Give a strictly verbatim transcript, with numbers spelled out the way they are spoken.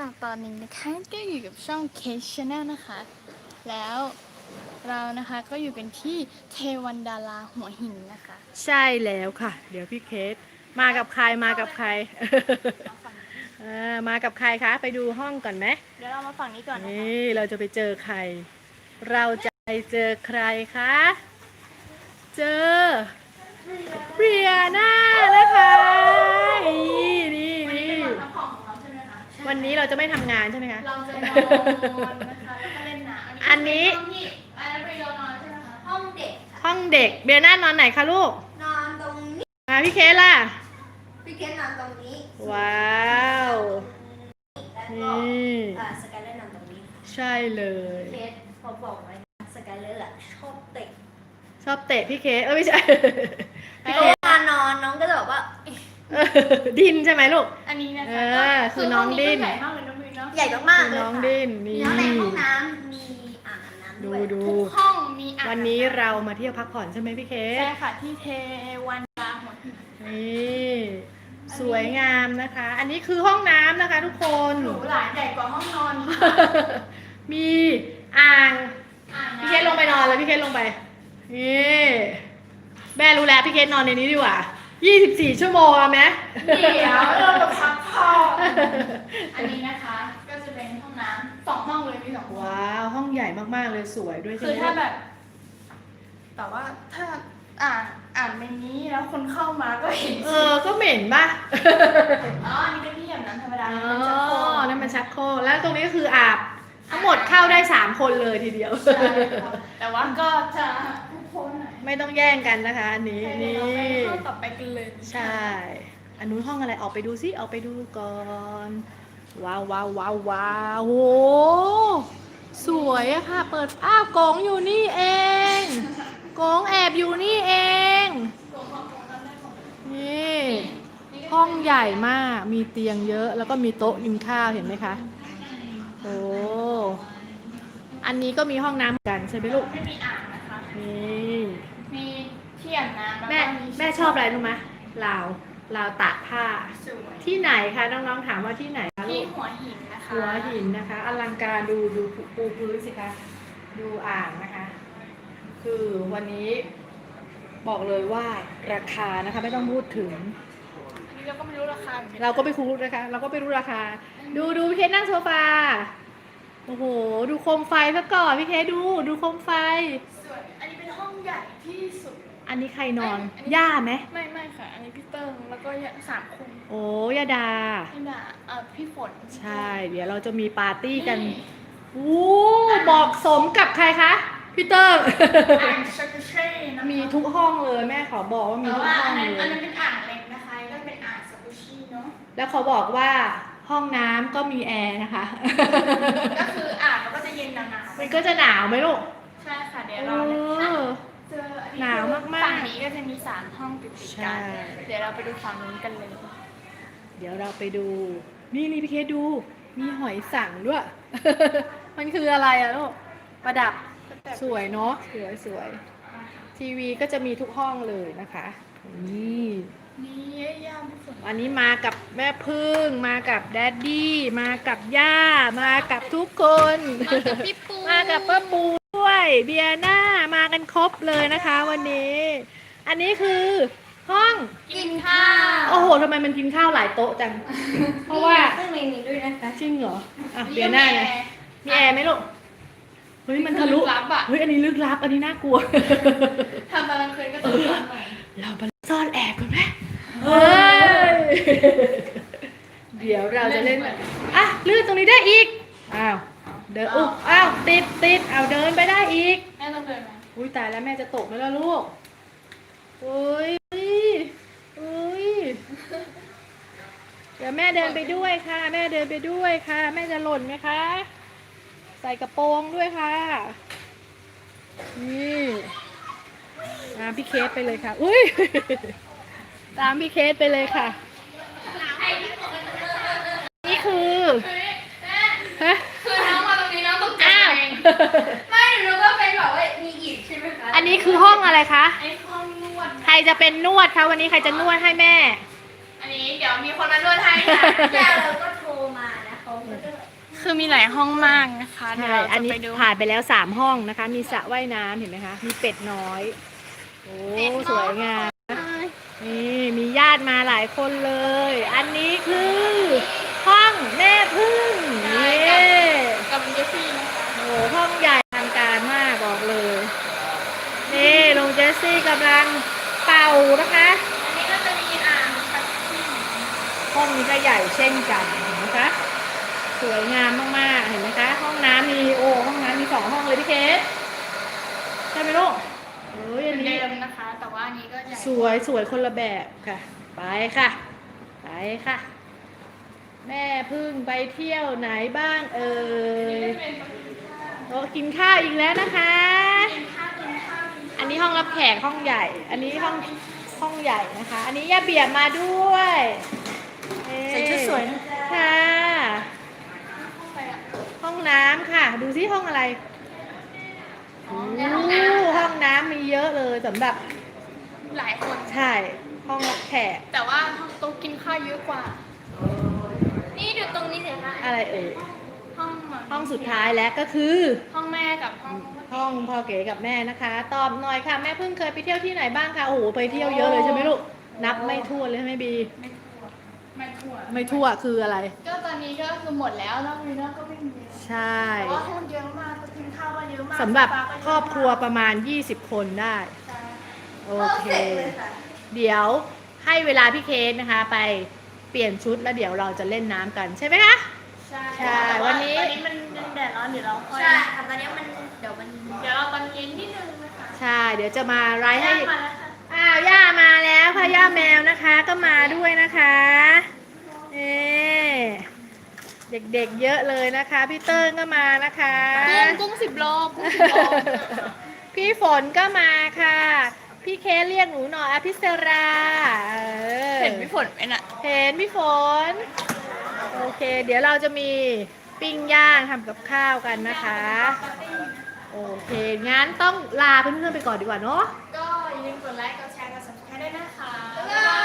ค่ะตอนนี้นะคะก็อยู่กับช่อง Case Channel นะคะ แล้วเรานะคะก็อยู่กันที่เทวันดาราหัวหินนะคะใช่แล้วค่ะ เดี๋ยวพี่เคสมากับใครมากับใคร เออมากับใครคะ ไปดูห้องก่อนไหมเดี๋ยวเรามาฝั่งนี้ก่อนนะคะนี่เราจะไปเจอใคร เราจะไปเจอใครคะ เจอเบียน่านะคะนี่นี่นี่วันนี้เราจะไม่ทำงานใช่ไหมคะเราจะนอนนะคะแล้วก็เล่นน้ำอันนี้ห้องที่อะไรไปนอนใช่ไหมคะห้องเด็กห้องเด็กเบียน่านอนไหนคะลูกนอนตรงนี้มาพี่เคสล่ะพี่เกดนอนตรงนี้ว้าวแล้วนก็ี่อ่าสกายเลอร์นอนตรงนี้ใช่เลยเคสพอบอกไว้นะสกายเลอร์อะชอบเตะชอบเตะพี่เคสเออไม่ใช่ พี่เพเคราะสว่านอนน้องก็จะบอกว่าเอ๊ะเออดินใช่ไหมลูกอันนี้นะคะเออคือน้องดิ้นใหญ่มากเลยน้องมิวเนาะใหญ่มากคือๆเลยน้องค่ะดินมีนี่ทั้งในห้องน้ำมีอ่างอาบน้ำดูด้วยดูทุกห้องมีอ่างวันนี้เรามาเที่ยวพักผ่อนใช่ไหมพี่เคสใช่ค่ะที่เทวันดาราหัวหินนี่สวยงามนะคะ อันนี้คือห้องน้ำนะคะ ทุกคนหรูหราใหญ่กว่าห้องนอนมีอ่างอ่างพี่เคสลงไปนอนเลยพี่เคสลงไปนี่แม่รู้แล้วพี่เคสนอนในนี้ดีกว่ายี่สิบสี่ชั่วโมงเอาไหมเดี๋ยวเราพักผ่อนอันนี้นะคะก็จะเป็นห้องน้ำสองห้องเลยมีสองห้องว้าวห้องใหญ่มากๆเลยสวยด้วยใช่คือไหมถ้าแบบ แต่ว่าถ้าอ่านอ่านในนี้แล้วคนเข้ามาก็เห็นเออก็เหม็นป่ะอ๋ออันนี้เป็นที่อาบน้ำธรรมดาอ๋มันจะโคอนั่นมันชักโครกแล้วตรงนี้ก็คืออาบทั้งหมดเข้าได้สามคนเลยทีเดียวใช่ค่ะแต่ว่าก็จะทุกคนหน่อยไม่ต้องแย่งกันนะคะอันนี้เดี๋ยวนี่เราไปห้องต่อไปกันเลยใช่ อันนู้นห้องอะไรออกไปดูซิออกไปดูก่อน ว้าวว้าวว้าวว้าวโหสวยอะค่ะ เปิดอ้าวกงอยู่นี่เองกงแอบอยู่นี่เอง นี่ห้องใหญ่มาก มีเตียงเยอะ แล้วก็มีโต๊ะกินข้าวเห็นไหมคะ โอ้ อันนี้ก็มีห้องน้ำเหมือนกันใช่ไหมลูกไม่มีอ่างนะคะนี่มีที่อาบน้ำล้วก็แม่แม่ชอบอะไรรู้ไหมลาวลาวตากผ้าสวยที่ไหนคะน้องๆถามว่าที่ไหนคะลูที่กหัวหินนะคะหัวหินนะคะอลังการดูดูปูพื้นสิคะดูอ่างนะคะ คือวันนี้บอกเลยว่าราคานะคะไม่ต้องพูดถึงอันนี้เราก็ไม่รู้ราคาหมือนกันเราก็ไม่รู้นะคะ เราก็ไม่รู้ราคา ดูดูพี่เคสนั่งโซฟาโอ้โหดูโคมไฟซะก่อนพี่เคสดูดูโคมไฟสวยอันนี้เป็นห้องใหญ่ที่สุดอันนี้ใครนอนอันนี้ย่าไหมไม่ไม่ค่ะ อันนี้พี่เติ้งแล้วก็สามคนโอ้ยาดาพี่ดาเอ่อพี่ฝนใช่ เดี๋ยวเราจะมีปาร์ตี้กันโอ้เหมาะสมกับใครคะพี่เติ้งอ่างชักเช่นะคะมีทุกห้องเลยแม่ขอบอกว่ามีแต่ทุกว่าห้อัอน งนั้นเลอันยนั้นเป็นอ่างเล็กนะคะก็เป็นอ่างสกูชี่เนาะแล้วเขาบอกว่าห้องน้ำก็มีแอร์นะคะก็คืออ่างมันก็จะเย็นหนาวๆมันก็จะหนาวไหมลูกใช่ค่ะเดี๋ยวเอเราเนี่ยอเจออัหนาวมากๆฝั่งนี้ก็จะมีสามห้องติดๆใช่กัน เดี๋ยวเราไปดูฝั่งนู้นกันเลยเดี๋ยวเราไปดู นี่นี่พี่เคดู มีหอยสังด้วย มันคืออะไรอะลูก ประดับสวยเนาะสวยสวยทีวีก็จะมีทุกห้องเลยนะคะ นี่นี่ย่าพี่ฝนวันนี้มากับแม่พึ่ง มากับแดดดี้ มากับย่า มากับทุกคนมากับพี่ปูมากับป้าปูด้วยเบียร์หน้ามากันครบเลยนะคะ วันนี้ อันนี้คือห้องกินข้าวโอ้โหทำไมมันกินข้าวหลายโต๊ะจัง เพราะว่าซึ่งในนี้ด้วยนะคะจริงเหรออ่ะเบียร์หน้าไงมีแอร์ไหมลูกเฮ้ยมันทะลุลับอ่ะเฮ้ยอันนี้ลึกลับอันนี้น่ากลัวทำตอนกลางคืนก็ต้องทำหน่อยเราไปซ่อนแอบกันไหมเฮ้ยเดี๋ยวเราจะเล่นอ่ะลื่นตรงนี้ได้อีกอ้าวเดินอุ๊บอ้าวติดติดเอาเดินไปได้อีกแม่ต้องเดินไหมอุ้ยตายแล้วแม่จะตกไหมล่ะลูกอุ้ยอุ้ยเดี๋ยวแม่เดินไปด้วยค่ะ แม่เดินไปด้วยค่ะ แม่จะหล่นไหมคะ ใส่กระโปรงด้วยค่ะ นี่ตามพี่เคสไปเลยค่ะ อุ้ยตามพี่เคสไปเลยค่ะ นี่คือฮะคือน้องมาตรงนี้น้องตกใจอ้าวเองไม่หนูก็เป็นแบบว่ามีอีกใช่ไหมคะอันนี้คือห้องอะไรคะไอ้ห้องนวดใครจะเป็นนวดคะวันนี้ใครจะนวดให้แม่อันนี้เดี๋ยวมีคนมานวดให้ค่ะย่าเราก็โทรมานะเขาคือมีหลายห้องมากนะคะเดี๋ยวใช่เราอันจะนี้ไปดูผ่านไปแล้วสามห้องนะคะ มีสระว่ายน้ำเห็นไหมคะ มีเป็ดน้อย โอ้ สวยงาม นี่มีญาติมาหลายคนเลย อันนี้คือห้องแม่พึ่งใช่นี่กับกับเจฟฟี่นะคะโอ้ห้องใหญ่ทางการมากบอกเลย นี่ลุงเจสซี่กำลังเป่านะคะอันนี้ก็จะมีอ่างชักที่ห้องนี้ก็ใหญ่เช่นกันเห็นไหมคะ สวยงามมากๆ เห็นไหมคะ ห้องน้ำมีโอ้ห้องน้ำมีสองห้องเลยพี่เคสใช่ไหมลูกเอ้ยเป็อันนนี้เดิมนะคะ แต่ว่าอันนี้ก็ใหญ่สวยสวยคนละแบบค่ะ ไปค่ะ ไปค่ะ แม่พึ่งไปเที่ยวไหนบ้างเอ่ยโต๊ะกินข้าวอีกแล้วนะคะ อันนี้ห้องรับแขกห้องใหญ่ อันนี้ห้องห้องใหญ่นะคะ อันนี้ย่าเบียบมาด้วยเอ๊ะใส่ชุดสวยนะค่ะ ห้องน้ำค่ะ ดูซิห้องอะไรอ๋อโอ้ในห้องน้ห้องน้ำมีเยอะเลยสำหรับำหลายคนใช่ ห้องรับแขกแต่ว่าห้องโต๊ะกินข้าวเยอะกว่า นี่ดูตรงนี้เห็นไหมอะไรเอ่ยห้องห้องสุดท้ายแล้วก็คือห้องแม่กับห้องห้องพ่อเก๋กับแม่นะคะ ตอบหน่อยค่ะ แม่เพิ่งเคยไปเที่ยวที่ไหนบ้างคะโอ้โหไปเที่ยวเยอะเลยใช่ไหมลูกนับไม่ทั่วนเลยใช่ไหมบีไม่ทั่วไม่ทั่วไม่ทั่วคืออะไรก็ตอนนี้ก็คือหมดแล้วนอกนี้นอกก็ไม่มีแล้วใช่แต่ว่าห้องเยอะมากกินข้าวก็เยอะมากสำหรับฟ้าก็เยะมากครอบครัวประมาณยี่สิบคนได้ใช่โอเค เดี๋ยวให้เวลาพี่เคสนะคะ ไปเปลี่ยนชุดแล้วเดี๋ยวเราจะเล่นน้ำกันใช่ไหมคะใช่ใช่แต่าวันนี้ตอนนี้มันยังแดดร้อนเดี๋ยวเราค่อยใช่ค่ะตอนนี้มันเดี๋ยวมันเดี๋ยวเราตอนเย็นนิดนึงนะคะใช่ เดี๋ยวจะมาไลฟ์ให้ย่ามาแล้วค่ะอ้าวย่ามาแล้วค่ะย่าแมวนะคะก็มาด้วยนะคะเอ๊เด็กๆเยอะเลยนะคะพี่เติ้งก็มานะคะกุ้งกุ้งสิบโลกุ้งสิบโลพี่ฝนก็มาค่ะ พี่เคสเรียกหนูหน่อยอภิสราออเห็นพี่ฝนไหมน่ะเห็นพี่ฝนโอเค เดี๋ยวเราจะมีปิ้งย่างทำกับข้าวกันนะคะ โอเค งั้นต้องลาเพื่อนๆไปก่อนดีกว่าเนาะก็อย่าลืมกดไลค์กดแชร์กด ซับสไครบ์ ด้วยนะคะบ๊ายบาย